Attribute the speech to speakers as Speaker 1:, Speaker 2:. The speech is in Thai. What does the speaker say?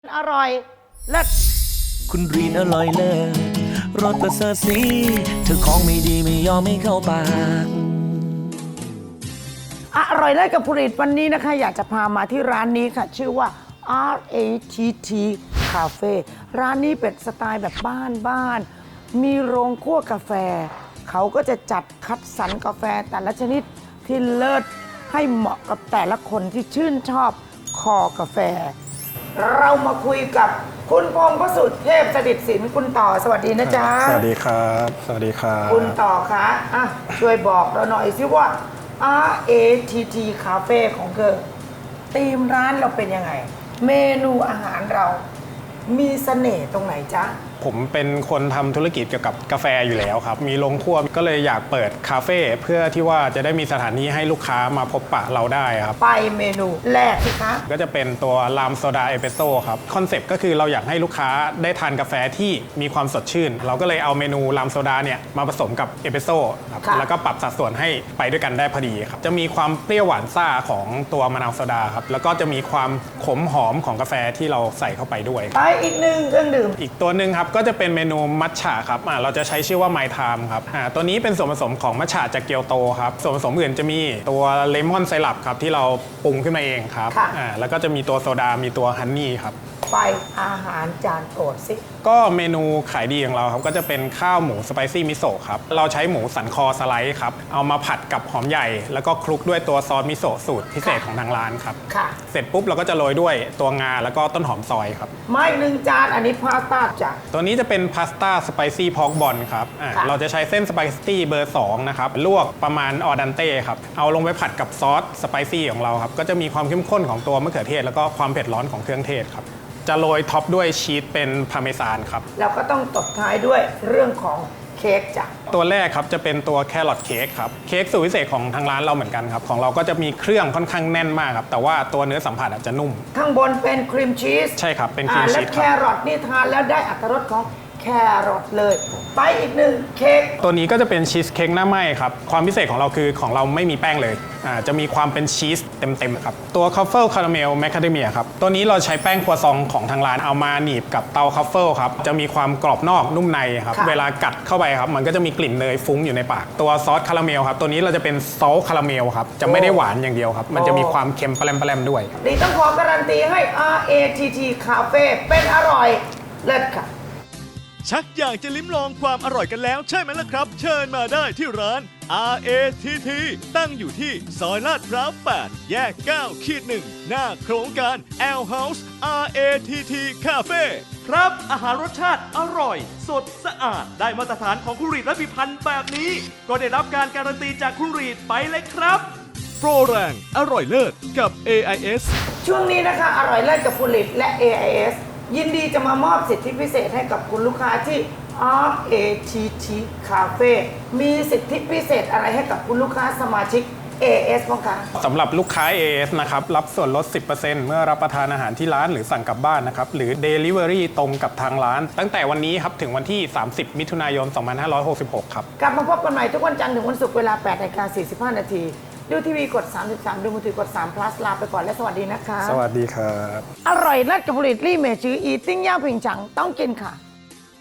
Speaker 1: อร่อยเลิศ
Speaker 2: คุณรีนอร่อยเลิศรสประเสริฐสีเธอของไม่ดีไม่ยอมไม่เข้าปาก
Speaker 1: อร่อยเลิศกับผลิตวันนี้นะคะอยากจะพามาที่ร้านนี้ค่ะชื่อว่า RATT Cafe ร้านนี้เป็นสไตล์แบบบ้านๆมีโรงคั่วกาแฟเขาก็จะจัดคัดสรรกาแฟแต่ละชนิดที่เลิศให้เหมาะกับแต่ละคนที่ชื่นชอบคอกาแฟเรามาคุยกับคุณพงษ์พระสุทธิเทพสถิตศิลป์คุณต่อสวัสดีนะจ๊ะ
Speaker 3: สวัสดีครับสวัสดีครับ
Speaker 1: คุณต่อคะช่วยบอกเราหน่อยสิว่า RATT Cafe ของเธอธีมร้านเราเป็นยังไงเมนูอาหารเรามีเสน่ห์ตรงไหนจ๊ะ
Speaker 3: ผมเป็นคนทำธุรกิจเกี่ยวกับกาแฟอยู่แล้วครับมีโรงคั่วก็เลยอยากเปิดคาเฟ่เพื่อที่ว่าจะได้มีสถานที่ให้ลูกค้ามาพบปะเราได้ครับ
Speaker 1: ไปเมนูแรกสิคะ
Speaker 3: ก็จะเป็นตัวลามโซดาเอสเปรสโซ่ครับคอนเซ็ปต์ก็คือเราอยากให้ลูกค้าได้ทานกาแฟที่มีความสดชื่นเราก็เลยเอาเมนูลามโซดาเนี่ยมาผสมกับเอสเปรสโซ่ครับแล้วก็ปรับสัดส่วนให้ไปด้วยกันได้พอดีครับจะมีความเปรี้ยวหวานซ่าของตัวมะนาวโซดาครับแล้วก็จะมีความขมหอมของกาแฟที่เราใส่เข้าไปด้วย
Speaker 1: ไปอีกหนึ่งเครื่องดื่ม
Speaker 3: อีกตัวหนึ่งครับก็จะเป็นเมนูมัทฉะครับเราจะใช้ชื่อว่าไมทามครับตัวนี้เป็นส่วนผสมของมัทฉะจากเกียวโตครับส่วนผสมอื่นจะมีตัวเลมอนไซรัปครับที่เราปรุงขึ้นมาเองครับแล้วก็จะมีตัวโซดามีตัวฮันนี่ครับ
Speaker 1: ไปอาหารจานโปรดสิ
Speaker 3: ก็เมนูขายดีของเราครับก็จะเป็นข้าวหมูสไปซี่มิโซะครับเราใช้หมูสันคอสไลด์ครับเอามาผัดกับหอมใหญ่แล้วก็คลุกด้วยตัวซอสมิโซะสูตรพิเศษของทางร้านครับเสร็จปุ๊บเราก็จะโรยด้วยตัวงาแล้วก็ต้นหอมซอยครับ
Speaker 1: ไม่หนึ่งจานอันนี้พาสต้าจ้ะ
Speaker 3: ตัวนี้จะเป็นพาสต้าสไปซี่พอกบอลครับเราจะใช้เส้นสไปซี่เบอร์2นะครับลวกประมาณออดันเต้ครับเอาลงไปผัดกับซอสสไปซี่ของเราครับก็จะมีความเข้มข้นของตัวมะเขือเทศแล้วก็ความเผ็ดร้อนของเครื่องเทศครับจะโรยท็อปด้วยชีสเป็นพาร์เมซานครับ
Speaker 1: แล้วก็ต้องตบท้ายด้วยเรื่องของเค้กจ้ะ
Speaker 3: ตัวแรกครับจะเป็นตัวแครอทเค้กครับเค้กสูตรพิเศษของทางร้านเราเหมือนกันครับของเราก็จะมีเครื่องค่อนข้างแน่นมากครับแต่ว่าตัวเนื้อสัมผัสอาจจะนุ่ม
Speaker 1: ข้างบนเป็นครีมชีส
Speaker 3: ใช่ครับเป็นครีมชีส
Speaker 1: แล้วแครอทนี่ทานแล้วได้อรรถรสของแครอทเลยไปอีกหนึ่งเค้ก
Speaker 3: ตัวนี้ก็จะเป็นชีสเค้กหน้าไหม้ครับความพิเศษของเราคือของเราไม่มีแป้งเลยจะมีความเป็นชีสเต็มๆครับตัวคัฟเฟิลคาราเมลแมคคาเดเมียครับตัวนี้เราใช้แป้งครัวซองของทางร้านเอามาหนีบกับเตาคัฟเฟิลครับจะมีความกรอบนอกนุ่มในครับเวลากัดเข้าไปครับมันก็จะมีกลิ่นเนยฟุ้งอยู่ในปากตัวซอสคาราเมลครับตัวนี้เราจะเป็นซอสคาราเมลครับจะไม่ได้หวานอย่างเดียวครับมันจะมีความเค็มแปรมๆด้วย
Speaker 1: ดีต้องขอการันตีให้ RATT Cafe เป็นอร่อยเลิศค่ะ
Speaker 4: ชักอยากจะลิ้มลองความอร่อยกันแล้วใช่ไหมล่ะครับเชิญมาได้ที่ร้าน RATT ตั้งอยู่ที่ซอยลาดพร้าว 8 แยก 9-1 หน้าโครงการ L House RATT Cafe ครับอาหารรสชาติอร่อยสดสะอาดได้มาตรฐานของครูรีดและพิพันธ์แบบนี้ก็ได้รับการการันตีจากครูรีดไปเลยครับโปรแรงอร่อยเลิศกับ AIS
Speaker 1: ช่วงนี้นะคะอร่อยเลิศกับผลิตและ AISยินดีจะมามอบสิทธิพิเศษให้กับคุณลูกค้าที่ RATT Cafe มีสิทธิพิเศษอะไรให้กับคุณลูกค้าสมาชิก AIS บ้างคะ
Speaker 3: สำหรับลูกค้า AIS นะครับรับส่วนลด 10% เมื่อรับประทานอาหารที่ร้านหรือสั่งกลับบ้านนะครับหรือ Delivery ตรงกับทางร้านตั้งแต่วันนี้ครับถึงวันที่ 30 มิถุนายน 2566 ครับ
Speaker 1: กลับมาพบกันใหม่ทุกวันจันทร์ถึงวันศุกร์เวลา 8:45 น.ดูทีวีกด33ดูมือถือกด3 plus ลาไปก่อนและสวัสดีนะคะ
Speaker 3: สวัสดีครับ
Speaker 1: อร่อยเลิศกับผลิตรี่เมจืออีติ้งย่าผิงฉังต้องกินค่ะ